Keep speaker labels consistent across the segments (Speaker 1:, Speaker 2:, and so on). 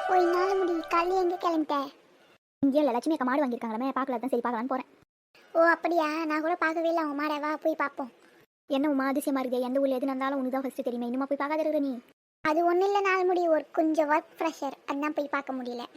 Speaker 1: ஓ இன்னால முடி காலையில் எங்கே கிளம்பிட்ட?
Speaker 2: இங்கே இல்லை, லட்சுமி அக்கா மாடு வாங்கியிருக்காங்களே, பார்க்கல தான், சரி பார்க்கலான்னு போகிறேன்.
Speaker 1: ஓ அப்படியா, நான் கூட பார்க்கவே இல்லை அவங்க மாடை. வா போய் பார்ப்போம்.
Speaker 2: என்ன உமா அதிசயமா இருக்குது, எந்த ஊரில் எது நடந்தாலும் உனக்கு தான் ஃபஸ்ட்டு தெரியுமே, இன்னுமா போய் பார்க்காத இருக்கிற நீ?
Speaker 1: அது ஒன்றும் இல்லை, நாள் முடி ஒரு கொஞ்சம் ஒர்க் ப்ரெஷர், அதான் போய் பார்க்க முடியல.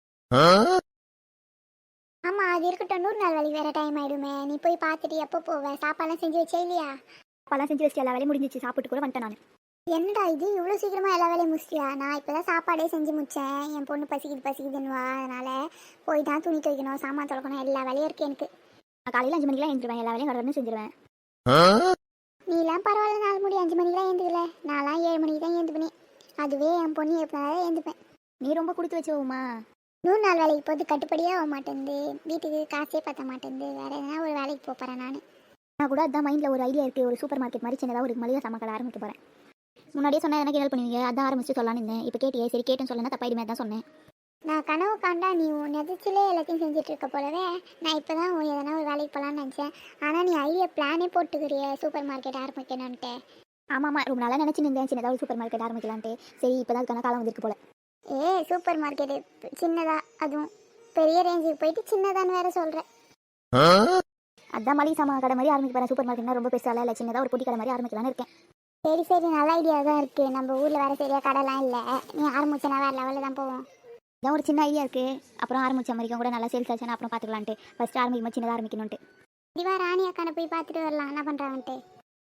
Speaker 1: ஆமாம் அது இருக்கட்டும், 100 நாள் வேலைக்கு வேறு டைம் ஆகிடுமே. நீ போய் பார்த்துட்டு எப்போ போவ? சாப்பாடுலாம் செஞ்சு வச்சே இல்லையா?
Speaker 2: அப்போல்லாம் செஞ்சு வச்சு எல்லா வேலையும் முடிஞ்சிச்சு, சாப்பிட்டு கூட வந்துட்டேன் நான்.
Speaker 1: என்னடா இது இவ்வளோ சீக்கிரமாக எல்லா வேலையும் முடிச்சியா? நான் இப்போ தான் சாப்பாடே செஞ்சு முடித்தேன். என் பொண்ணு பசிக்குதுன்னுவா, அதனால் போய் தான் துணி துவைக்கணும், சாமான் துளக்கணும், எல்லா வேலையும் இருக்குது எனக்கு.
Speaker 2: நான் காலையில் 5 மணிக்கெலாம் எழுந்துருவேன், எல்லா வேலையும் கடற்கன்னு செஞ்சிருவேன்.
Speaker 1: நீலாம் பரவாயில்ல, 4 மணி 5 மணிக்கெலாம் எழுந்துக்கல. நான்லாம் 7 மணிக்கு தான் எழுந்துப்பேன். அதுவே என் பொண்ணு எப்போனாலும் எழுந்துப்பேன்.
Speaker 2: நீ ரொம்ப கொடுத்து வச்சோமா?
Speaker 1: 100 நாள் வேலைக்கு போது கட்டுப்படியாக ஆக மாட்டேங்குது, வீட்டுக்கு காசே பற்ற மாட்டேங்குது. வேறு எதனா ஒரு வேலைக்கு போகிறேன்
Speaker 2: நான் கூட அதான் மைண்டில் ஒரு ஐடியா இருக்குது, ஒரு சூப்பர் மார்க்கெட் மாதிரி சின்னதாக ஒரு மளிகை சாமான் கடை ஆரம்பிக்க போகிறேன். முன்னாடியே சொன்னால் எனக்கு ஹெல்ப் பண்ணுவீங்க, அதான் ஆரம்பிச்சு சொல்லலான்னு இருந்தேன். இப்போ கேட்டியே, சரி கேட்டேன்னு சொல்லலாம் தப்பாயிடுமே, தான் சொன்னேன்.
Speaker 1: நான் கனவு காண்டா நீ நெதிச்சிலே எல்லாத்தையும் செஞ்சுட்டு இருக்க போலவே. நான் இப்போ தான் எதனா ஒரு வேலைக்கு போகலான்னு நினச்சேன். ஆனால் நீ ஐடியா பிளானே போட்டுக்கிறிய சூப்பர் மார்க்கெட் ஆரம்பிக்கணுன்ட்டு.
Speaker 2: ஆமாம், ரொம்ப நாளாக நினச்சி நின்றேன் சின்னதாக ஒரு சூப்பர் மார்க்கெட் ஆரம்பிக்கலான்ட்டு. சரி இப்போ தான் அதுக்கான காலம் வந்திருக்கு போல.
Speaker 1: சூப்பர் மார்க்கெட்டு சின்னதா, அதுவும் பெரிய ரேஞ்சுக்கு போயிட்டு சின்னதான்னு வேற சொல்கிறேன்.
Speaker 2: அதான் மளிகை சாமான் கடை மாதிரி ஆரம்பிக்க போகிறேன். சூப்பர் மார்க்கெட்னா ரொம்ப பெருசாக இல்லை, சின்னதாக ஒரு பொட்டி கடை மாதிரி ஆரம்பிக்கலான்னு இருக்கேன்.
Speaker 1: சரி சரி, நல்ல ஐடியா தான் இருக்குது. நம்ம ஊரில் வேறு சரியாக கடைலாம் இல்லை. நீ ஆரம்பிச்சனா வேறு லெவலில் தான் போவோம்.
Speaker 2: இதான் ஒரு சின்ன ஐடியா இருக்குது. அப்புறம் ஆரம்பிச்ச மாதிரிக்கும் கூட நல்லா சேல்ஸ் ஆச்சுன்னா அப்புறம் பார்த்துக்கலான்ட்டு. ஃபஸ்ட்டு ஆரம்பிக்கும் சின்னதாக ஆரம்பிக்கணுன்ட்டு.
Speaker 1: இதுவா ராணி அக்கானை போய் பார்த்துட்டு வரலாம், என்ன பண்ணுறாங்கன்ட்டு.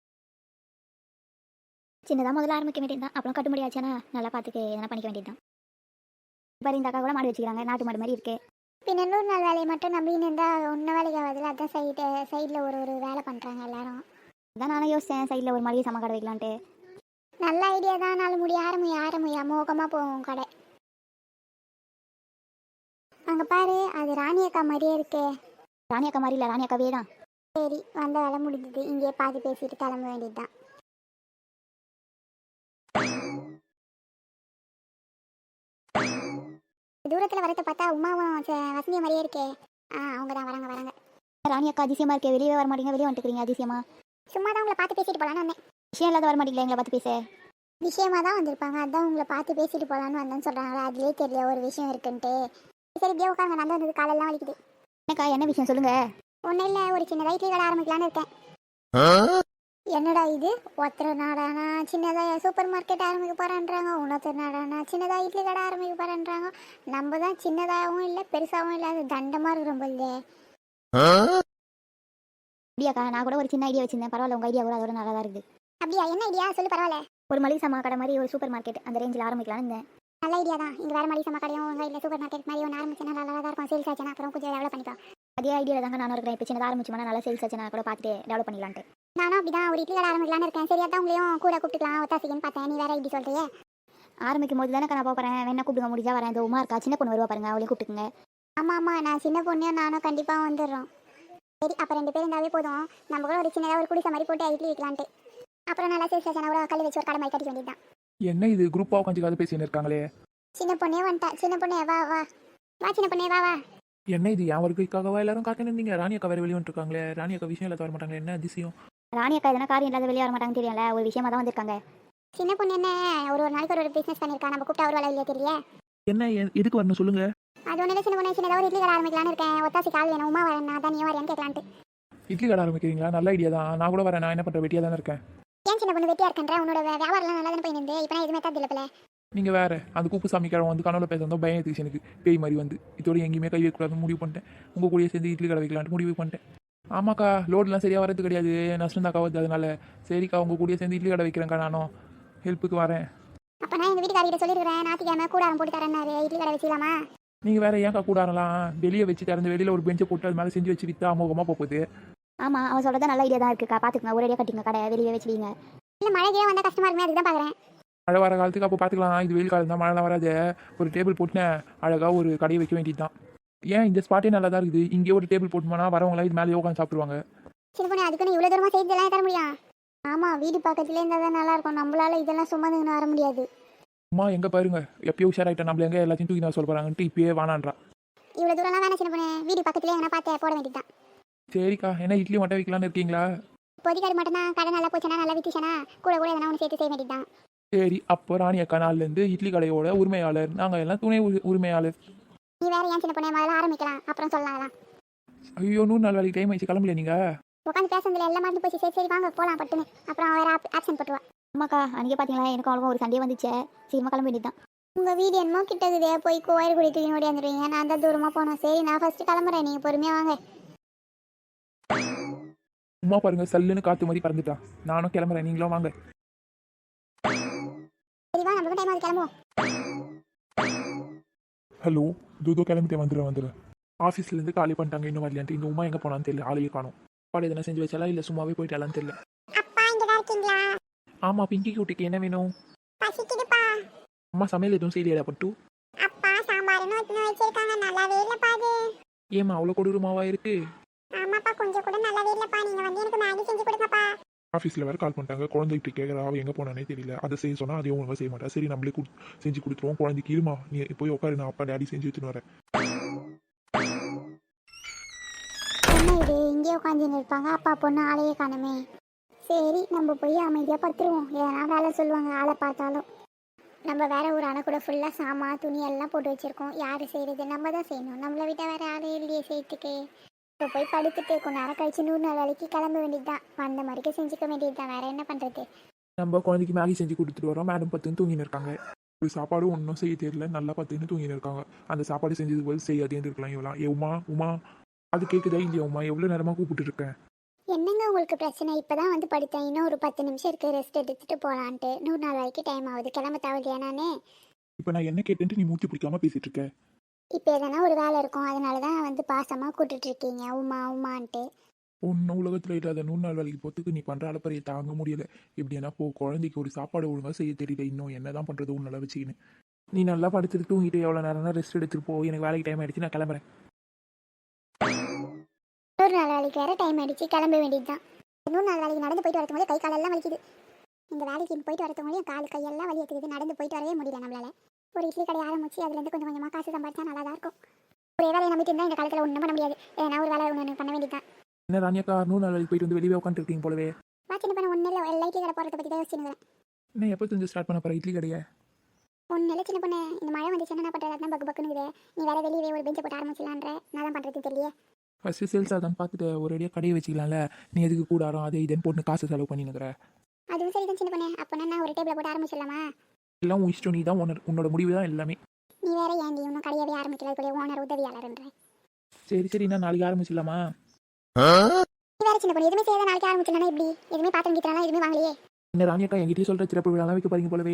Speaker 2: சின்னதாக முதல்ல ஆரம்பிக்க வேண்டியது தான், அப்புறம் கட்டுப்படி ஆச்சுன்னா நல்லா பார்த்துக்க எதனா பண்ணிக்க வேண்டியது தான். பாரு இந்த அக்கா கூட மாடு வச்சுக்கிறாங்க, நாட்டு மாடு மாதிரி இருக்குது.
Speaker 1: பின்ன 100 நாள் வேலையை மட்டும் நம்பின்னு இருந்தால் ஒன்றும் வேலைக்கு ஆகாதுல. அதான் சைடில் ஒரு வேலை பண்ணுறாங்க எல்லாரும்.
Speaker 2: அதான் நானும் யோசித்தேன், சைடில் ஒரு மளிகை சாமான் கடை வைக்கலான்ட்டு.
Speaker 1: நல்ல ஐடியா தான். நாலு முடி ஆரம்பியா அமோகமாக போவோம் கடை. அங்கே பாரு, அது ராணி அக்கா மாதிரியே இருக்கே.
Speaker 2: ராணி அக்கா மாதிரி இல்லை, ராணி அக்காவே தான்.
Speaker 1: சரி, வந்த வேலை முடிஞ்சது. இங்கேயே பாதி பேசிட்டு கிளம்ப வேண்டியது தான். தூரத்தில் வரத்தை பார்த்தா உமாவும் வசந்திய மாதிரியே இருக்கே. அவங்க தான் வராங்க.
Speaker 2: ராணி அக்கா அதிசயமாக இருக்கே, வெளியே வர மாட்டீங்க, வெளியே வந்துட்டுக்கிறீங்க அதிசயமா?
Speaker 1: சும்மா தான் உங்களை பார்த்து பேசிட்டு போகலான்னு வந்தேன்.
Speaker 2: விஷயம் இல்லாத வர மாட்டீங்களா எங்களை பார்த்து பேச?
Speaker 1: விஷயமா தான் வந்திருப்பாங்க, அதான் உங்களை பார்த்து பேசிட்டு போகலான்னு வந்தேன்னு சொல்கிறாங்களா. அதுலேயே தெரியல ஒரு விஷயம் இருக்குன்ட்டு. சரி இப்படியே உட்காருங்க, நடந்து வந்தது காலெல்லாம் வலிக்குது.
Speaker 2: என்னக்கா என்ன விஷயம் சொல்லுங்கள்.
Speaker 1: ஒன்றும் இல்லை, ஒரு சின்ன இட்லி கடை ஆரம்பிக்கலான்னு இருக்கேன். என்னடா இது, ஒருத்தர் நாடானா சின்னதாக சூப்பர் மார்க்கெட் ஆரம்பிக்க போகிறேன்றாங்க, இன்னொருத்தர் நாடானா சின்னதாக இட்லி கடை ஆரம்பிக்க போகிறேன்றாங்க. நம்ம தான் சின்னதாகவும் இல்லை பெருசாகவும் இல்லை, அது தண்டமாக இருக்கிறோம் போல்தே.
Speaker 2: அப்படியாக்கா, நான் கூட ஒரு சின்ன ஐடியா வச்சிருந்தேன், பரவாயில்ல உங்கள் ஐடியா கூட அதோட நல்லா தான் இருக்குது.
Speaker 1: அப்படியா, என்ன ஐடியா சொல்லு பரவாயில்ல.
Speaker 2: ஒரு மளிகை சாமான் கடை மாதிரி ஒரு சூப்பர் மார்க்கெட் அந்த ரேஞ்சில் ஆரம்பிக்கலான்னு இருந்தேன்.
Speaker 1: நல்ல ஐடியா தான். இங்கே வேறு மளிகை சாமான் கடையும் உங்கள் இல்லை சூப்பர் மார்க்கெட் மாதிரி ஒன்று ஆரம்பிச்சுன்னா நல்லா தான் இருக்கும். சேல்ஸ் ஆச்சுன்னா அப்புறம் கொஞ்சம் டெவலப் பண்ணிக்கலாம்.
Speaker 2: அதே ஐடியா தாங்க நானும் இருக்கிறேன். இப்போ சின்னதாக ஆரம்பிச்சோம்னா நல்லா சேல்ஸ் ஆச்சுன்னா கூட பார்த்துட்டு டெவலப் பண்ணிக்கலான்ட்டு.
Speaker 1: நானும் அப்படி தான் ஒரு இட்லி கடை ஆரம்பிக்கலான்னு இருக்கேன். சரியா தான் உங்களையும் கூட கூப்பிட்டுக்கலாம் ஒத்தாசிக்கன்னு பார்த்தேன். நீ வேற இப்படி சொல்றியே.
Speaker 2: ஆரம்பிக்கும் போது தானே நான் போகிறேன், வேணா கூப்பிடுங்க, முடிஞ்சா வரேன். இந்த உமா இருக்கா சின்ன பொண்ணு வருவா பாருங்க, அவளையும் கூப்பிட்டுங்க.
Speaker 1: ஆமாம், நான் சின்ன பொண்ணையும் நானும் கண்டிப்பாக வந்துடுறோம். சரி, அப்போ 2 பேர் இருந்தாவே போதும். நம்ம கூட ஒரு சின்னதாக ஒரு குடிசை மாதிரி போட்டு இட்லி வைக்கலான்ட்டு. அப்புறம் நல்லா சேல்ஸ் ஆச்சுன்னா கூட கல் வச்சு ஒரு கடை மாதிரி கட்டிக்க வேண்டியது தான்.
Speaker 3: என்ன இது குரூப்பாக உட்காந்து கதை பேசின்னு இருக்காங்களே?
Speaker 1: சின்ன பொண்ணே வந்துட்டா. சின்ன பொண்ணே வா சின்ன பொண்ணே வா.
Speaker 3: என்ன இது என் வருகைக்காகவா எல்லாரும் காத்துன்னு இருந்தீங்க? ராணி அக்கா வேறு வெளியே வந்துருக்காங்களே, ராணி அக்கா விஷயம் இல்லாத வர மாட்டாங்களே, என்ன அதிசயம்?
Speaker 2: ராணி அக்கா எதனா காரியம் இல்லாத வெளியே வர மாட்டாங்க தெரியல, ஒரு விஷயமா தான் வந்திருக்காங்க.
Speaker 1: சின்ன பொண்ணு என்ன ஒரு நாளைக்கு ஒரு பிஸ்னஸ் பண்ணியிருக்கா, நம்ம கூப்பிட்டா ஒரு வேலை இல்லையா தெரியல.
Speaker 3: என்ன எதுக்கு வரணும் சொல்லுங்க?
Speaker 1: அது ஒன்றும் இல்லை சின்ன பொண்ணு, சின்னதாக ஒரு இட்லி கடை ஆரம்பிக்கலான்னு இருக்கேன். ஒத்தாசி கால் வேணும், உமா வரேன், நான் தான் நீ வரையான்னு கேட்கலான்ட்டு.
Speaker 3: இட்லி கடை ஆரம்பிக்கிறீங்களா? நல்ல ஐடியா தான். நான் கூட வரேன். நான் என்ன பண்ணுறேன், வெட்டியாக தானே இருக்கேன்.
Speaker 1: ஏன் சின்ன பொண்ணு வெட்டியா இருக்கேன்ற? உன்னோட வியாபாரம்லாம் நல்லா தானே போயிருந்து. இப்போ நான் எதுவுமே தான் இல்லை.
Speaker 3: நீங்கள் வேறு அந்த கூப்பு சாமி கிழமை வந்து கனவுல பேச வந்தோம், பயம் எடுத்துச்சு எனக்கு, பேய் மாதிரி வந்து. இதோட எங்கேயுமே கை வைக்கக்கூடாதுன்னு முடிவு பண்ணிட்டேன். உங்கள் கூடயே சேர்ந்து இட்லி கடை வைக்கலான்ட்டு முடிவு பண்ணிட்டேன். ஆமாக்கா, லோடெலாம் சரியாக வரது கிடையாது, நஷ்டம் தாக்கா வருது. அதனால சரிக்கா உங்கள் கூடயே சேர்ந்து இட்லி கடை வைக்கிறேன்க்கா, நானும் ஹெல்ப்புக்கு வரேன்.
Speaker 1: அப்போ நான் எங்கள் வீட்டுக்காரிட்ட சொல்லியிருக்கிறேன், ஞாயிற்றுக்கிழமை கூடாரம் போட்டு தரேன்னாரு, இட்லி கடை வச்சுக்கலாமா?
Speaker 3: நீங்கள் வேறு ஏன்க்கா கூடாரலாம் வெளியே வச்சு திறந்து வெளியில் ஒரு பெஞ்சை போட்டு அது மேலே செஞ்சு வச்சு விற்றா அமோகமாக போகுது.
Speaker 2: ஆமாம், அவன் சொல்கிறதா நல்ல ஐடியா தான் இருக்குக்கா, பார்த்துக்கங்க, ஒரேடியாக கட்டிங்க கடை, வெளியே வச்சுவீங்க.
Speaker 1: இல்லை மழைக்கே வந்தால் கஷ்டமாக இருக்குமே, அதுக்கு தான் பார்க்குறேன்.
Speaker 3: மழை வர காலத்துக்கு அப்போ பார்த்துக்கலாம். இது வெயில் காலம் தான், மழைலாம் வராது. ஒரு டேபிள் போட்டுனேன் அழகாக ஒரு கடையை வைக்க வேண்டியது தான். ஏன் இந்த ஸ்பாட்டே நல்லா தான் இருக்குது, இங்கே ஒரு டேபிள் போட்டுமானா வரவங்களாம் இது மேலே உட்காந்து சாப்பிடுவாங்க.
Speaker 1: சின்ன பொண்ணு, அதுக்குன்னு இவ்வளோ தூரமாக செய்தெல்லாம் தர முடியும்? ஆமாம், வீடு பக்கத்துலேயே இருந்தால் தான் நல்லாயிருக்கும். நம்மளால இதெல்லாம் சும்மா நின்று வர முடியாது.
Speaker 3: அம்மா எங்கே பாருங்க, எப்பயோ உஷாராயிட்டேன், நம்மள எங்கே எல்லாத்தையும் தூக்கி நான் சொல்ல போகிறாங்கன்ட்டு இப்பயே வானான்றா.
Speaker 1: இவ்வளோ தூரம்லாம் வேணாம் சின்ன பொண்ணு, வீடு பக்கத்துலேயே எங்கன்னா பார்த்து போட வேண்டியது தான்.
Speaker 3: சரிக்கா, என்ன இட்லி மட்டும் வைக்கலான்னு இருக்கீங்களா?
Speaker 1: இப்போதைக்கு அது மட்டும் தான். கடை நல்லா போச்சுன்னா நல்லா விற்றுச்சுன்னா கூட எதனா ஒன்று சேர்த்து செய்ய வேண்டியது தான்.
Speaker 3: சரி, அப்போ ராணி அக்கா நாள்லேருந்து இட்லி கடையோட உரிமையாளர், நாங்கள் எல்லாம் துணை உரிமையாளர்.
Speaker 1: நீ வேற ஏன் சின்ன பொண்ணு முதல்ல ஆரம்பிக்கலாம் அப்புறம் சொல்லலாம் அதெல்லாம்.
Speaker 3: ஐயோ, 100 நாளைக்கு டைம் ஆயிடுச்சு, கிளம்பல நீங்கள்.
Speaker 1: உட்காந்து பேசுறதுல எல்லாம் மறந்து போச்சு. சரி சரி வாங்க போகலாம் பட்டுன்னு. அப்புறம் வேற ஆப்ஷன் போட்டுவா.
Speaker 2: அம்மாக்கா அன்றைக்கே பார்த்தீங்களா எனக்கும் அவ்வளோ ஒரு சண்டே வந்துச்சே. சீக்கிரமாக கிளம்ப வேண்டியது தான்.
Speaker 1: உங்கள் வீடு என்னமோ கிட்டக்குதே போய் கோயில் குடி தூக்கி ஓடி வந்துடுவீங்க. நான் தான் தூரமாக போனோம். சரி நான் ஃபர்ஸ்ட் கிளம்புறேன், நீங்கள் பொறுமையாக வாங்க.
Speaker 3: உமா பாருங்க, சல்லுன்னு காற்று மாதிரி பறந்துட்டான். நானும் கிளம்புறேன், நீங்களும் வாங்க.
Speaker 1: சரி வா நம்மளுக்கும் டைம் ஆகுது, கிளம்புவோம்.
Speaker 3: ஹலோ, தூதோ கிளம்பிட்டேன், வந்துடுறேன். ஆஃபீஸ்லேருந்து காலி பண்ணிட்டாங்க, இன்னும் வரலையான்ட்டு. இந்த உமா எங்கே போனான்னு தெரியல, ஆளையே காணும். பாடு எதனா செஞ்சு வச்சாலா இல்லை சும்மாவே போயிட்டாலான்னு தெரியல.
Speaker 1: அப்பா இங்கே தான் இருக்கீங்களா?
Speaker 3: ஆமாம், பிங்கி குட்டிக்கு என்ன வேணும்?
Speaker 1: பசிக்குதுப்பா.
Speaker 3: அம்மா சமையல் எதுவும் செய்யலையா பட்டு?
Speaker 1: அப்பா சாம்பார்னு ஒன்று வச்சிருக்காங்க, நல்லாவே இல்லைப்பா அது.
Speaker 3: ஏம்மா அவ்வளோ கொடூரமாவா இருக்கு?
Speaker 1: ஆமாப்பா கொஞ்சம் கூட நல்லாவே இல்லைப்பா. நீங்கள் வந்து எனக்கு மேகி செஞ்சு கொடுங்கப்பா.
Speaker 3: ஆஃபீஸில் வேறு கால் பண்ணிட்டாங்க, குழந்தை இப்படி கேட்குறா, அவள் எங்கே போனானே தெரியல. அதை செய்ய சொன்னால் அதையும் ஒழுங்காக செய்ய மாட்டா. சரி நம்மளே செஞ்சு கொடுத்துருவோம். குழந்தைக்கு இருமா, நீ போய் உட்காரு, நான் அப்பா டேடி செஞ்சு எடுத்துன்னு வரேன்.
Speaker 1: என்ன இது இங்கே உட்காந்துன்னு இருப்பாங்க, அப்பா பொண்ணு ஆளையே காணுமே. சரி நம்ம போய் அமைதியாக படுத்துருவோம். ஏன்னா வேலை சொல்லுவாங்க ஆளை பார்த்தாலும். நம்ம வேற ஒரு அணை கூட ஃபுல்லாக சாமான் துணி எல்லாம் போட்டு வச்சுருக்கோம். யார் செய்கிறது? நம்ம தான் செய்யணும். நம்மளை விட்டால் வேறு ஆளே இல்லையே செய்யறதுக்கு. இப்போ போய் படுத்துட்டு கொஞ்ச நேரம் கழிச்சு 100 நாள் வேலைக்கு கிளம்ப வேண்டியது தான். வந்த மாதிரிக்கு செஞ்சுக்க வேண்டியது தான். வேறு என்ன பண்ணுறது?
Speaker 3: நம்ம குழந்தைக்கு மேகி செஞ்சு கொடுத்துட்டு வரோம். மேடம் பத்துன்னு தூங்கின்னு இருக்காங்க. ஒரு சாப்பாடு ஒன்றும் செய்ய தெரியல, நல்லா பத்துன்னு தூங்கின்னு இருக்காங்க. அந்த சாப்பாடு செஞ்சது போது செய்யாதேன்னு இருக்கலாம் இவலாம். உமா அது கேட்குதா இல்லையா? உமா எவ்வளோ நேரமாக கூப்பிட்டு இருக்கேன்.
Speaker 1: என்னங்க உங்களுக்கு பிரச்சனை? இப்போ தான் வந்து படுத்தேன். இன்னும் ஒரு 10 நிமிஷம் இருக்குது, ரெஸ்ட் எடுத்துகிட்டு போகலான்ட்டு. 100 நாள் வரைக்கும் டைம் ஆகுது, கிளம்ப தவறியா நானே?
Speaker 3: இப்போ நான் என்ன கேட்டேன்ட்டு நீ மூச்சு பிடிக்காம பேசிட்டு இருக்க.
Speaker 1: இப்போ எதனா ஒரு வேலை இருக்கும், அதனால தான் வந்து பாசமாக கூப்பிட்டுட்ருக்கீங்க உமான்ட்டு.
Speaker 3: ஒன்றும் உலகத்தில் இல்லாத 100 நாள் வேலைக்கு போகிறதுக்கு நீ பண்ணுற அளப்பறையை தாங்க முடியல. எப்படின்னா போ, குழந்தைக்கு ஒரு சாப்பாடு ஒழுங்காக செய்ய தெரியல. இன்னும் என்ன தான் பண்ணுறது உன் நல்லா வச்சுக்கின்னு. நீ நல்லா படுத்துட்டு தூங்கிட்டு எவ்வளோ நேரம்னா ரெஸ்ட் எடுத்துட்டு போ. எனக்கு வேலைக்கு டைம் ஆகிடுச்சு, நான் கிளம்புறேன்.
Speaker 1: 100 நாள் வேலைக்கு வேறு டைம் ஆகிடுச்சு, கிளம்ப வேண்டியது தான். 100 நாள் வேலைக்கு நடந்து போயிட்டு வரதுக்கு கை காலெல்லாம் வலிக்குது. இந்த வேலைக்கு போயிட்டு வரதுங்களையும் கால் கையெல்லாம் வலி எடுத்துக்குது. நடந்து போயிட்டு வரவே முடியல நம்மளால. ஒரு இட்லி கடை ஆரம்பிச்சு அதுலேருந்து கொஞ்சம் கொஞ்சமாக காசு சம்பாதிச்சா நல்லா தான் இருக்கும். ஒரே வேலையை நம்பிட்டு இருந்தால் இந்த காலத்தில் ஒன்றும் பண்ண முடியாது. ஏன்னா ஒரு வேலை ஒன்று பண்ண வேண்டியது தான்.
Speaker 3: என்ன ராணியக்கா 100 நாள் வேலைக்கு போயிட்டு வந்து வெளியே உட்காந்துருக்கீங்க போலவே.
Speaker 1: சின்ன பண்ண ஒன்றும் இல்லை, எல்லா இட்லி கடை போகிறத பற்றி தான் யோசிச்சுன்னு.
Speaker 3: என்ன எப்போ தெரிஞ்சு ஸ்டார்ட் பண்ண போகிற இட்லி கடையை?
Speaker 1: ஒன்றும் இல்லை சின்ன பொண்ணு, இந்த மழை வந்துச்சுன்னா என்ன பண்ணுறது? அதான் பக்குன்னு. நீ வேற வெளியே ஒரு பெஞ்சை போட்டு ஆரம்பிச்சிடலான்ற. நான் தான் பண்ணுறது தெரியல.
Speaker 3: ஃபஸ்ட்டு சேல்ஸ் அதான் பார்த்துட்டு ஒரு அடியாக கடையை வச்சுக்கலாம்ல. நீ எதுக்கு கூடாரம் அதை இதன்னு போட்டு காசு செலவு பண்ணினுக்கிற?
Speaker 1: அதுவும் சரி தான் சின்ன பொண்ணு. அப்போ நான் ஒரு டேபிளை போட்டு ஆரம்பிச்சிடலாமா?
Speaker 3: எல்லாம் உன் இஷ்டம், நீ தான் உன்னோட முடிவு தான் எல்லாமே.
Speaker 1: நீ வேற ஏன்டி இன்னும் கடையவே ஆரம்பிக்கல, கூட ஓனர் உதவியாளர்ன்ற.
Speaker 3: சரி நான் நாளைக்கு ஆரம்பிச்சிடலாமா?
Speaker 1: நீ வேற சின்ன பொண்ணு, எதுவுமே செய்யாத நாளைக்கு ஆரம்பிச்சிடலாம் எப்படி? எதுவுமே பாத்திரம் கிட்டலாம் எதுவுமே வாங்கலையே.
Speaker 3: என்ன ராணியக்கா என்கிட்டயே சொல்கிற சிறப்பு விழாலாம் வைக்க போறீங்க போலவே.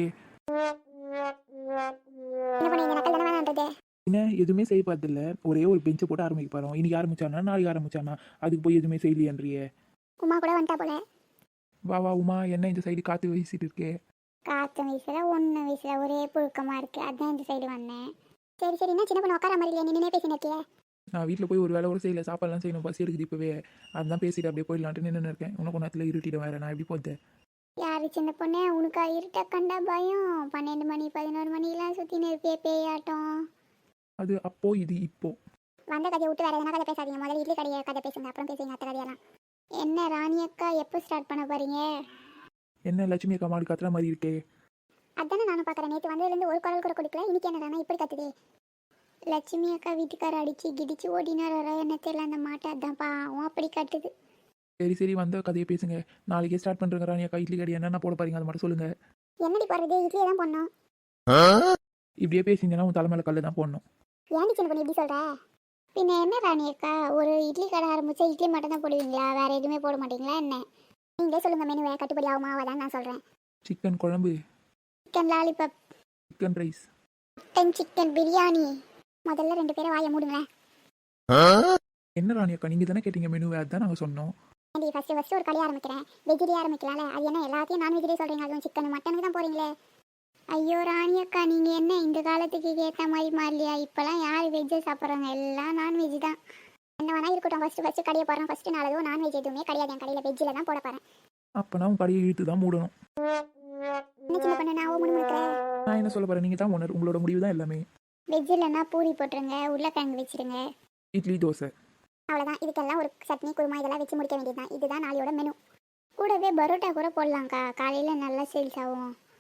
Speaker 1: என்ன பண்ணி இந்த நக்கல் தானே வேணான்றது?
Speaker 3: என்ன எதுவுமே செய்ய பார்த்தில்ல, ஒரே ஒரு பெஞ்சை போட்டு ஆரம்பிக்க போகிறோம். இன்னைக்கு ஆரம்பிச்சானா நாளைக்கு ஆரம்பிச்சானா அதுக்கு போய் எதுவுமே செய்யலையன்றியே.
Speaker 1: உமா கூட வந்துட்டா போல.
Speaker 3: வா உமா, என்ன இந்த சைடு காற்று வீசிட்டு இருக்கே?
Speaker 1: காற்று வீசுல ஒன்று வீசுல ஒரே புழுக்கமாக இருக்குது, அதான் இந்த சைடு வந்தேன். சரி என்ன சின்ன பொண்ணு உட்கார மாதிரி இல்லையா? நின்று பேசினிருக்கிய.
Speaker 3: நான் வீட்டில் போய் ஒரு வேலை கூட செய்யல, சாப்பாடுலாம் செய்யணும், பசி எடுக்குது இப்போவே. அதுதான் பேசிட்டு அப்படியே போயிடலான்ட்டு நின்று இருக்கேன். உனக்கு நேரத்தில் இருட்டிட வேறு, நான் எப்படி போத்தேன்?
Speaker 1: யார் சின்ன பொண்ணு, உனக்கு இருட்ட கண்டா பயம்? 12 மணி 11 மணிலாம் சுற்றின்னு இருப்பியே பேயாட்டம்.
Speaker 3: அது அப்போ இது இப்போ.
Speaker 1: வந்த கதையை விட்டு வேற எதனா கதை பேசாதீங்க. முதல்ல இட்லி கடையை கதை பேசுங்க, அப்புறம் பேசுங்க அத்தை கதையெல்லாம். என்ன ராணி அக்கா எப்போ ஸ்டார்ட் பண்ண போறீங்க?
Speaker 3: என்ன லட்சுமி அக்கா மாடு கத்துற மாதிரி இருக்கே?
Speaker 1: அதானே நானும் பார்க்குறேன். நேற்று வந்ததுலேருந்து ஒரு குரல் கூட கொடுக்கல, இன்னைக்கு என்ன ராணா இப்படி கத்துதே? லட்சுமி அக்கா வீட்டுக்கார அடிச்சு கிடிச்சு ஓடினாரா என்ன தெரியல, அந்த மாட்டை அதான் பாவம் அப்படி கட்டுது.
Speaker 3: சரி வந்த கதையை பேசுங்க. நாளைக்கே ஸ்டார்ட் பண்ணுறேங்க ராணி அக்கா. இட்லி கடை என்னென்ன போட போறீங்க அதை மட்டும் சொல்லுங்க.
Speaker 1: என்னடி போடுறது? இட்லியை தான் போடணும்.
Speaker 3: இப்படியே பேசிங்கன்னா உன் தலைமையில கல்லு தான் போடணும்.
Speaker 1: ஏன்டி சின்ன பண்ணி இப்படி சொல்கிற? பின்ன என்ன ராணி அக்கா, ஒரு இட்லி கடை ஆரம்பிச்சா இட்லி மட்டும் தான் போடுவீங்களா? வேற எதுவுமே போட மாட்டீங்களா என்ன? நீங்களே சொல்லுங்க, மெனுவை கட்டுப்படி ஆகுமா ஆகாதான் நான் சொல்கிறேன்.
Speaker 3: சிக்கன் குழம்பு,
Speaker 1: chicken lollipop,
Speaker 3: chicken rice,
Speaker 1: mutton chicken biryani. முதல்ல 2 பேரை வாயை மூடுங்களேன்.
Speaker 3: என்ன ராணி அக்கா நீங்கள் தானே கேட்டீங்க மெனுவை, அதுதான் நாங்கள் சொன்னோம்.
Speaker 1: ஏன்டி ஃபஸ்ட்டு ஒரு கடை ஆரம்பிக்கிறேன், வெஜ்ஜிலே ஆரம்பிக்கலாம்ல? அது என்ன எல்லாத்தையும் நான்வெஜ்லேயே சொல்கிறீங்க? அதுவும் சிக்கன் மட்டனுக்கு தான் போகிறீங்களே. ஐயோ ராணி அக்கா, நீங்கள் என்ன இந்த காலத்துக்கு ஏற்ற மாதிரி மாறலையா? இப்போலாம் யார் வெஜ்ஜை சாப்பிட்றாங்க? எல்லாம் நான்வெஜ் தான். என்ன வேணா இருக்கட்டும், ஃபஸ்ட்டு கடையை போகிறேன். ஃபஸ்ட்டு நாளதும் நான்வெஜ் எதுவுமே கிடையாது என் கடையில், வெஜ்ஜில் தான் போட போகிறேன்.
Speaker 3: அப்போனா உன் கடையை இழுத்து தான் மூடணும்.
Speaker 1: என்ன சின்ன பண்ண நான் முணுமுணுக்கிறேன்?
Speaker 3: நான் என்ன சொல்ல போகிறேன், நீங்கள் தான் ஓனர், உங்களோட முடிவு தான் எல்லாமே.
Speaker 1: வெஜ் இல்லைன்னா பூரி போட்டுருங்க, உருளைக்கிழங்கு வச்சுருங்க,
Speaker 3: இட்லி தோசை,
Speaker 1: அவ்வளோதான். இதுக்கெல்லாம் ஒரு சட்னி குருமா இதெல்லாம் வச்சு முடிக்க வேண்டியது தான். இதுதான் நாளையோட மெனு. கூடவே பரோட்டா கூட போடலாம்க்கா, காலையில் நல்லா சேல்ஸ் ஆகும்.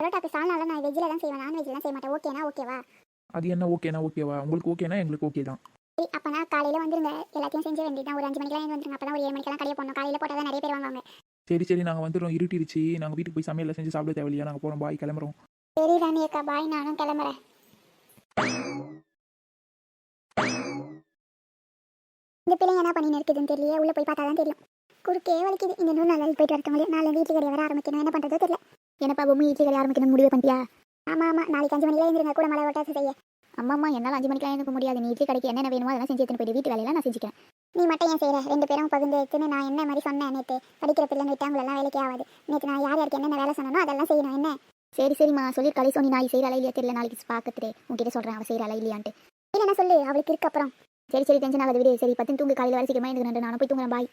Speaker 1: பரோட்டாக்கு சால்னால நான் வெஜ்ஜில் தான் செய்வேன், நான்வெஜ்லாம் செய்ய மாட்டேன். ஓகேனா ஓகேவா?
Speaker 3: அது என்ன ஓகேனா ஓகேவா? உங்களுக்கு ஓகேனா எங்களுக்கு ஓகே தான்.
Speaker 1: சரி அப்போனா காலையில் வந்துருங்க, எல்லாத்தையும் செஞ்ச வேண்டியதான். ஒரு 5 மணிக்கெல்லாம் எழுந்து வந்துருங்க, அப்போ தான் ஒரு 7 மணிக்கெல்லாம் கடையை போடணும். காலையில் போட்டால் தான் நிறைய பேர் வாங்குவாங்க.
Speaker 3: சரி சரி, நாங்கள் வந்துடுறோம். இருட்டிருச்சு, நாங்கள் வீட்டுக்கு போய் சமையலில் செஞ்சு சாப்பிட தேவையில்லையா? நாங்கள் போகிறோம், பாய், கிளம்புறோம்.
Speaker 1: சரி ராணி அக்கா, பாய், நானும் கிளம்புறேன். இந்த பிள்ளைங்க என்ன பண்ணி இருக்குதுன்னு தெரியல, உள்ளே போய் பார்த்தா தான் தெரியும். குறுக்கே வலிக்குது. இந்த நூறு நாள் போயிட்டு வரட்டும். நாலு வீட்டு கடை வர ஆரம்பிக்கணும், என்ன பண்ணுறதோ தெரியல.
Speaker 2: என்னப்பா பொம்மை இட்லி கடை ஆரம்பிக்கணும்னு முடிவு பண்ணிட்டியா?
Speaker 1: ஆமாம் ஆமாம், நாளைக்கு 5 மணிக்கெல்லாம் எழுந்துருங்க, கூட மழை ஓட்டாச்சு செய்ய.
Speaker 2: அம்மா என்னால் 5 மணிக்கெலாம் எனக்கு முடியாது. நீ இட்லி கடைக்கு என்னென்ன வேணுமோ அதெல்லாம் செஞ்சு எடுத்துன்னு போயிட்டு வீட்டு வேலையெல்லாம் நான் செஞ்சுக்கிறேன்.
Speaker 1: நீ மட்டும் ஏன் செய்கிற? 2 பேரும் பகிர்ந்து எடுத்துன்னு நான் என்ன மாதிரி சொன்னேன் நேற்று, படிக்கிற பிள்ளைங்க விட்டாங்களெல்லாம் வேலைக்கு ஆகாது. நேற்று நான் யார் யாருக்கு என்னென்ன வேலை சொன்னனோ அதெல்லாம் செய்யணும் என்ன?
Speaker 2: சரி சரிம்மா சொல்லியிருக்காளே சோனி, நான் செய்கிற இல்லையா தெரியல, நாளைக்கு பார்க்கறே உங்ககிட்ட சொல்கிறேன் அவள் செய்கிற இல்லையான்ட்டு.
Speaker 1: இல்லைன்னா சொல்லு, அவளுக்கு இருக்கு அப்புறம்.
Speaker 2: சரி சரி, டென்ஷன் ஆகாது விடு. சரி 10 தூங்கு, காலையில் வேலை சீக்கிரமாக எழுந்துக்கிறேன். நானும் போய் தூங்குறேன், பாய்.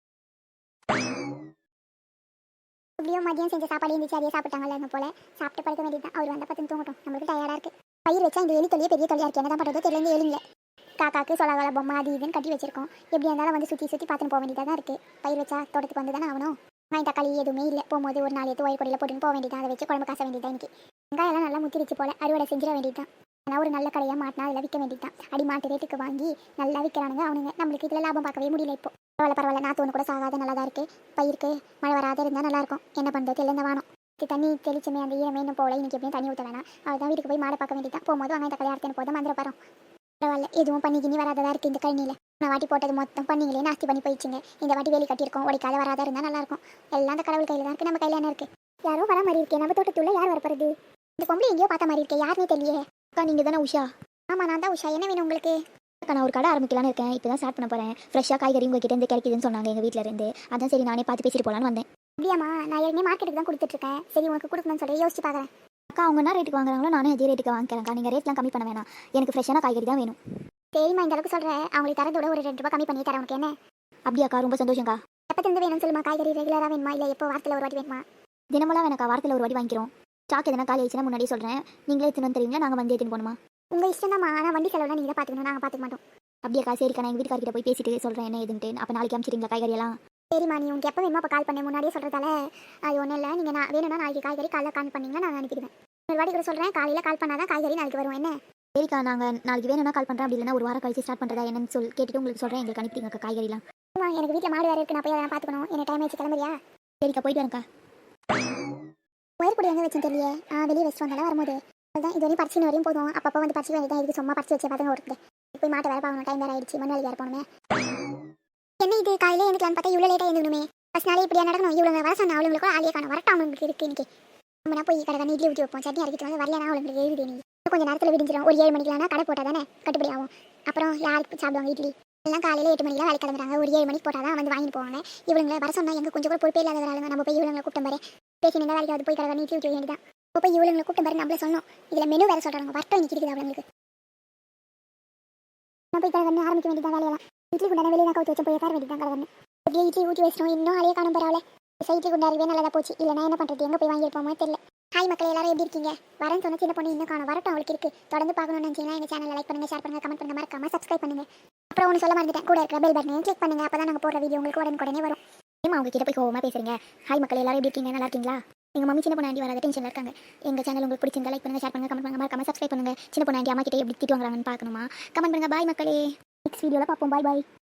Speaker 1: எப்படியோ மதியம் செஞ்ச சாப்பாடு இருந்துச்சு, அதையே சாப்பிட்டாங்கல்ல அங்கே போல. சாப்பிட்டு படுக்க வேண்டியது தான். அவர் வந்தால் 10 தூங்கட்டும், நம்மளுக்கு டயர்டாக இருக்குது. பயிர் வச்சா இந்த எலி தொல்லையே பெரிய தொல்லையாக இருக்குது, என்ன தான் பண்ணுறதோ தெரியல. எலிங்கள காக்காக்கு சொலகால பொம்மை அது இதுன்னு கட்டி வச்சிருக்கோம். எப்படி இருந்தாலும் வந்து சுற்றி சுற்றி பார்த்துன்னு போக வேண்டியதாக தான் இருக்குது. பயிர் வச்சா தோட்டத்துக்கு வந்து தானே ஆகணும். வெங்காயம் தக்காளி எதுவுமே இல்லை. போகும்போது ஒரு 4 எடுத்து ஒயர் கொடியில் போட்டுன்னு போக வேண்டியதான். அதை வச்சு குழம்பு காச வேண்டியதான். இன்னைக்கு வெங்காயம்லாம் நல்லா முத்திரிச்சு போல, அறுவடை செஞ்சிட வேண்டியதான். ஆனால் ஒரு நல்ல கடையாக மாட்டினா அதில் விற்க வேண்டியதான். அடி மாட்டு ரேட்டுக்கு வாங்கி நல்லா விற்கிறானுங்க அவனுங்க. நம்மளுக்கு இதில் லாபம் பார்க்கவே முடியல. இப்போ பரவாயில்ல, நாற்று ஒன்று கூட சாகாத நல்லா தான் இருக்குது. பயிருக்கு மழை வராத இருந்தால் நல்லாயிருக்கும். என்ன பண்ணுறது தெரியல. இந்த வானம் தண்ணி தெளிச்சுமே அந்த ஈரமே இன்னும் போல. இன்னைக்கு எப்படியும் தண்ணி ஊற்ற வேணாம். அவள் வீட்டுக்கு போய் மாடை பார்க்க வேண்டியதான். போகும்போது வெங்காயம் தக்காளி அறுத்துன்னு போதும் மந்திர பரம். பரவாயில்ல, எதுவும் பண்ணி கிண்ணி வராததாக இருக்குது இந்த கழனியில். நான் வாட்டி போட்டது மொத்தம் பண்ணிங்களே நாஸ்தி பண்ணி போயிடுச்சுங்க. இந்த வாட்டி வேலி கட்டியிருக்கோம், உடைக்காத வராத இருந்தால் நல்லாயிருக்கும். எல்லாம் அந்த கடவுள் கையில் தான் இருக்குது, நம்ம கையில் என்ன இருக்குது? யாரோ வர மாதிரி இருக்கே, நம்ம தோட்டத்துள்ள யார் வரப்போறது? இந்த பொம்பளை எங்கேயோ பார்த்த மாதிரி இருக்கே, யாருன்னே தெரியலையே.
Speaker 2: அக்கா நீங்கள் தானே உஷா?
Speaker 1: ஆமாம் நான் தான் உஷா. என்ன வேணும் உங்களுக்கு?
Speaker 2: அக்கா நான் ஒரு கடை ஆரம்பிக்கலான்னு இருக்கேன். இப்போ தான் ஸ்டார்ட் பண்ண போகிறேன். ஃப்ரெஷ்ஷாக காய்கறி உங்ககிட்ட இருந்து கிடைக்குதுன்னு சொன்னாங்க எங்கள் வீட்டில் இருந்து. அதான் சரி நானே பார்த்து பேசிட்டு போகலான்னு வந்தேன்.
Speaker 1: அப்படியாம்மா, நான் ஏற்கனவே மார்க்கெட்டுக்கு தான் கொடுத்துட்ருக்கேன். சரி உனக்கு கொடுக்கணும்னு சொல்லி யோசிச்சு பார்க்குறேன்.
Speaker 2: அக்கா அவங்க என்ன ரேட்டுக்கு வாங்குறாங்களோ நானும் அதே ரேட்டுக்கு வாங்கிக்கிறேன்க்கா. நீங்கள் ரேட்லாம் கம்மி பண்ண வேணாம், எனக்கு ஃப்ரெஷ்ஷான காய்கறி தான் வேணும்.
Speaker 1: சரிம்மா, இந்த அளவுக்கு சொல்கிறேன். அவங்களுக்கு தரதோட ஒரு 2 ரூபா கம்மி பண்ணி தரேன். உனக்கு என்ன?
Speaker 2: அப்படியாக்கா, ரொம்ப சந்தோஷம்க்கா.
Speaker 1: எப்போ தந்து வேணும்னு சொல்லுமா? காய்கறி ரெகுலராக வேணுமா, இல்லை எப்போ வாரத்தில் ஒரு வாட்டி வேணுமா?
Speaker 2: தினமெல்லாம் வேணாக்கா, வாரத்தில் ஒரு வாட்டி வாங்கிக்கிறோம். ஸ்டாக் எதனா காலி ஆயிடுச்சுன்னா முன்னாடியே சொல்கிறேன். நீங்களே எடுத்துன்னு வந்து தருவீங்களா, நாங்கள் வந்து எடுத்துன்னு போகணுமா?
Speaker 1: உங்கள் இஷ்டம் தான்மா. ஆனால் வண்டி செலவுலாம் நீங்கள் தான் பார்த்துக்கணும், நாங்கள் பார்த்துக்க மாட்டோம்.
Speaker 2: அப்படியாக்கா, சரிக்கா, நான் எங்கள் வீட்டுக்காரர்கிட்ட போய் பேசிட்டு சொல்கிறேன் என்ன ஏதுன்ட்டு. அப்போ நாளைக்கு அனுப்பிச்சிடுங்களா காய்கறியெல்லாம்?
Speaker 1: சரிம்மா, நீ உங்களுக்கு எப்போ வேணுமோ அப்போ கால் பண்ணேன். முன்னாடியே சொல்கிறதால அது ஒன்றும் இல்லை. நீங்கள் நான் வேணும்னா நாளைக்கு காய்கறி காலையில் கால் பண்ணிங்கன்னா நான் அனுப்பிடுவேன். ஒரு வாட்டி கூட சொல்கிறேன், காலையில் கால் பண்ணால் தான் காய்கறி நாளைக்கு வரும். என்ன?
Speaker 2: சரிக்கா, நாங்கள் நாளைக்கு வேணும்னா கால் பண்ணுறேன். அப்படி இல்லைன்னா ஒரு வாரம் கழிச்சு ஸ்டார்ட் பண்ணுறதா என்னன்னு கேட்டுட்டு உங்களுக்கு சொல்கிறேன். எங்களுக்கு அனுப்பிடுங்க காய்கறிலாம்.
Speaker 1: எனக்கு வீட்டில் மாடு வேறு இருக்குது, நான் போய் அதெல்லாம் பார்த்துக்கணும். எனக்கு டைம் ஆயிடுச்சு, கிளம்புறியா?
Speaker 2: சரிக்கா, போயிட்டு வரேன்க்கா.
Speaker 1: ஒயர் பொடி எங்கே வச்சுன்னு தெரியல. வெளியே வச்சுட்டு வந்தாலும் வரும்போது அதுதான் இது வரையும் பறிச்சு வரையும் போதும். அப்பப்போ வந்து பறிச்சு வேண்டியதான். இதுக்கு சும்மா பறிச்சு வச்சு பார்த்துங்க ஒருத்தர் போய் மாட்டை வேறு பார்க்கணும். டைம் வேறு ஆயிடுச்சு, மண் வேறு போகணுமே. என்ன இது காலையில் எனக்குலான்னு பார்த்தா இவ்வளோ லேட்டாக எழுந்துணுமே. ஃபஸ்ட் நாளே இப்படியா நடக்கணும்? இவ்வளோ வர சொன்ன அவளுங்களுக்கு கூட ஆளியே காணும். வரட்டும், அவங்களுக்கு இருக்குது இன்னைக்கு. நம்ம போய் கடை இட்லி ஊற்றி வைப்போம், சட்னி அரைக்கிட்டு வந்து வரலனா அவளுங்களுக்கு எழுதி. நீ கொஞ்சம் நேரத்தில் விடிஞ்சிடும். ஒரு 7 மணிக்கெலாம் கடை போட்டால் தானே கட்டுப்படி ஆகும். அப்புறம் யாருக்கு சாப்பிடுவாங்க இட்லி? எல்லாம் காலையில் 8 மணிக்கெலாம் வேலை கிளம்புறாங்க. ஒரு 7 மணிக்கு போட்டால் தான் வந்து வாங்கிட்டு போவாங்க. இவங்களை வர சொன்னால் எங்கள் கொஞ்சம் கூட பொறுப்பே இல்லாத வராங்க. நம்ம போய் இவங்களை கூட்டம் பாரு, பேசி நின்று வேலைக்கு போய் கடை இட்லி ஊற்றி வேண்டியதான். இப்போ போய் இவங்களை கூட்டம் பாரு, நம்மளே சொன்னோம். இதில் மெனு வேறு சொல்கிறாங்க. வரட்டும், இன்னைக்கு இருக்குது அவங்களுக்கு. நான் போய் கடை ஆரம்பிக்க வேண்டியதான் வேலையெல்லாம். இட்லி குண்டான வெளியே தான் கவுத்து வச்சு போய் உட்கார வேண்டியதான் கடை. அப்படியே இட்லி ஊற்றி வச்சிடும். இன்னும் அலையே காணும் பரவாயில்ல. இட்லி குண்டாருவே நல்லதாக போச்சு. இல்லைனா என்ன பண்ணுறது? எங்கே போய் வாங்கியிருப்போமோ தெரியல. ஹாய் மக்கள், எல்லாரும் எப்படி இருக்கீங்க? வரேன்னு சொன்ன சின்ன பொண்ணு இன்னும் காணும். வரட்டும், அவளுக்கு இருக்குது. தொடர்ந்து பார்க்கணும்னு நினச்சிங்கன்னா எங்கள் சேனலை லைக் பண்ணுங்கள், ஷேர் பண்ணுங்கள், கமெண்ட் பண்ணுங்கள், மறக்காம சப்ஸ்கிரைப் பண்ணுங்கள். அப்புறம் ஒன்று சொல்ல மறந்துட்டேன், கூட இருக்கிற பெல் பட்டனை கிளிக் பண்ணுங்கள். அப்போ தான் நாங்கள் போடுற வீடியோ உங்களுக்கு உடனே வரும்.
Speaker 2: ஏமா அவங்க கிட்ட போய் கோவமாக பேசுறீங்க? ஹாய் மக்கள், எல்லாரும் எப்படி இருக்கீங்க? நல்லா இருக்கீங்களா? எங்கள் மம்மி சின்ன பொண்ணு ஆண்டி வராத டென்ஷனில் இருக்காங்க. எங்கள் சேனல் உங்களுக்கு பிடிச்சிருந்தா லைக் பண்ணுங்கள், ஷேர் பண்ணுங்கள், கமெண்ட் பண்ணுங்கள், மறக்காம சப்ஸ்கிரைப் பண்ணுங்கள். சின்ன பொண்ணு ஆண்டி அம்மா கிட்டே எப்படி திட்டு வாங்குறாங்கன்னு பார்க்கணுமா? கமெண்ட் பண்ணுங்கள். பாய் மக்களே, நெக்ஸ்ட் வீடியோவில் பார்ப்போம். பாய் பாய்.